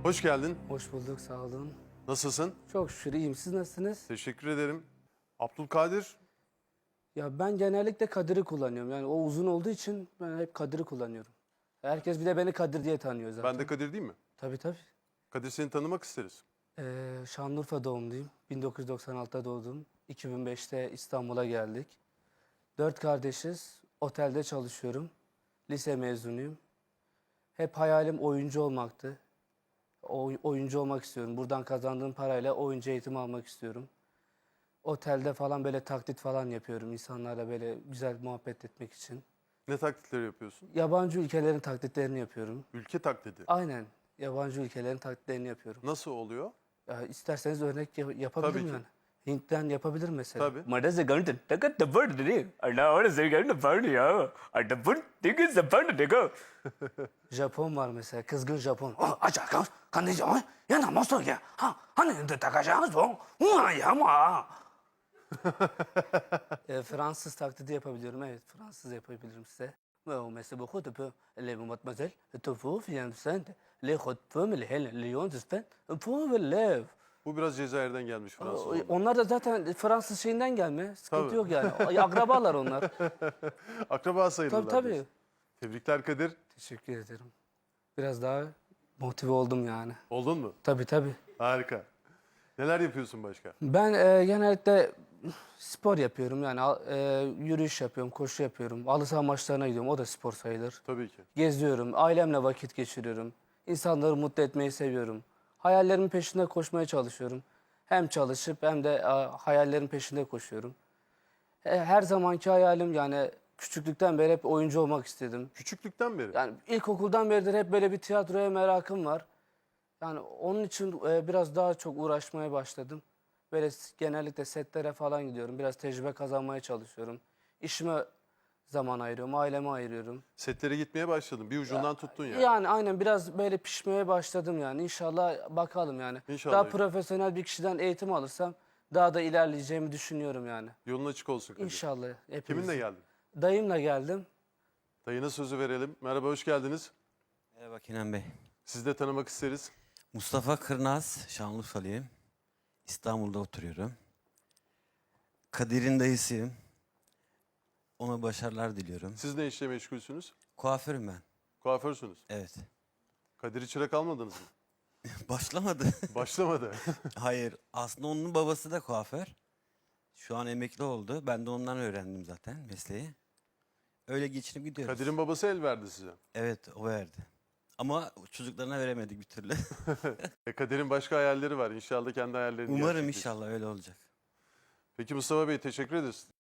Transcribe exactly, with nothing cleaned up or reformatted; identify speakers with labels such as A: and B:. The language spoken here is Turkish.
A: Hoş geldin.
B: Hoş bulduk, sağ olun.
A: Nasılsın?
B: Çok şükür iyiyim. Siz nasılsınız?
A: Teşekkür ederim. Abdülkadir,
B: Ya ben genellikle Kadir'i kullanıyorum. Yani o uzun olduğu için ben hep Kadir'i kullanıyorum. Herkes bir de beni Kadir diye tanıyor zaten.
A: ben de Kadir değil mi?
B: Tabii tabii.
A: Kadir, seni tanımak isteriz.
B: Ee, Şanlıurfa doğumluyum. bin dokuz yüz doksan altıda doğdum. iki bin beşte İstanbul'a geldik. Dört kardeşiz. Otelde çalışıyorum. Lise mezunuyum. Hep hayalim oyuncu olmaktı. Oy- oyuncu olmak istiyorum. Buradan kazandığım parayla oyuncu eğitimi almak istiyorum. Otelde falan böyle taklit falan yapıyorum. İnsanlarla böyle güzel muhabbet etmek için.
A: Ne taklitleri yapıyorsun?
B: Yabancı ülkelerin taklitlerini yapıyorum.
A: Ülke taklidi.
B: Aynen. Yabancı ülkelerin taklitlerini yapıyorum.
A: Nasıl oluyor?
B: Ya isterseniz örnek yap- yapabilirim
A: Tabii ki.
B: yani. Hint'ten yapabilirim mesela.
A: Tabii.
B: Mada zagarın takat da var dedi. Allah ona zagarın da var ya. Arda bu dige zapan da Japon var mesela. Kızgın Japon. Oh, aç kan kan ne ya? Ya na nasıl ya? Ha, hani de takacağız bu. Ulan ya ma. E, Fransız taklidi yapabiliyorum. Evet, Fransız yapabilirim size. Ve o mesela bu kutu bu. Le mademoiselle, tofu fiyan sen. Le kutu mu le hel Lyon zisten. Bu ve lev.
A: Bu biraz Cezayir'den gelmiş Fransız.
B: O-
A: olmak.
B: Onlar da zaten Fransız şeyinden gelme. Sıkıntı
A: Tabii.
B: yok yani. Ay, akrabalar onlar.
A: Akraba sayılırlar.
B: Tabii tabii.
A: diyorsun. Tebrikler Kadir.
B: Teşekkür ederim. Biraz daha motive oldum yani.
A: Oldun mu?
B: Tabii tabii.
A: Harika. Neler yapıyorsun başka?
B: Ben e, genellikle spor yapıyorum. Yani e, yürüyüş yapıyorum, koşu yapıyorum. Halı saha maçlarına gidiyorum. O da spor sayılır.
A: Tabii ki.
B: Geziyorum, ailemle vakit geçiriyorum. İnsanları mutlu etmeyi seviyorum. Hayallerimin peşinde koşmaya çalışıyorum. Hem çalışıp hem de e, hayallerin peşinde koşuyorum. E, her zamanki hayalim yani küçüklükten beri hep oyuncu olmak istedim.
A: Küçüklükten beri.
B: Yani ilkokuldan beridir hep böyle bir tiyatroya merakım var. Yani onun için e, biraz daha çok uğraşmaya başladım. Böyle s- genellikle setlere falan gidiyorum. Biraz tecrübe kazanmaya çalışıyorum. İşime zaman ayırıyorum, aileme ayırıyorum.
A: Setlere gitmeye başladın. Bir ucundan tuttun yani.
B: Yani aynen biraz böyle pişmeye başladım yani. İnşallah bakalım yani.
A: İnşallah.
B: Daha profesyonel bir kişiden eğitim alırsam daha da ilerleyeceğimi düşünüyorum yani.
A: Yolun açık olsun Kadir.
B: İnşallah. Hepimiz.
A: Kiminle geldin?
B: Dayımla geldim.
A: Dayına sözü verelim. Merhaba, hoş geldiniz.
C: Merhaba Kenan Bey.
A: Sizi de tanımak isteriz.
C: Mustafa Kırnaz, Şanlıurfalıyım. İstanbul'da oturuyorum. Kadir'in dayısıyım. Ona başarılar diliyorum.
A: Siz ne işle meşgulsünüz?
C: Kuaförüm ben.
A: Kuaförsünüz.
C: Evet.
A: Kadir'i çırak almadınız mı?
C: Başlamadı.
A: Başlamadı.
C: Hayır. Aslında onun babası da kuaför. Şu an emekli oldu. Ben de ondan öğrendim zaten mesleği. Öyle geçinip gidiyoruz.
A: Kadir'in babası el verdi size.
C: Evet, o verdi. Ama çocuklarına veremedik bir türlü.
A: E Kadir'in başka hayalleri var. İnşallah kendi hayallerini
C: Umarım
A: gerçekleştirir.
C: inşallah öyle olacak.
A: Peki Mustafa Bey, teşekkür ederiz.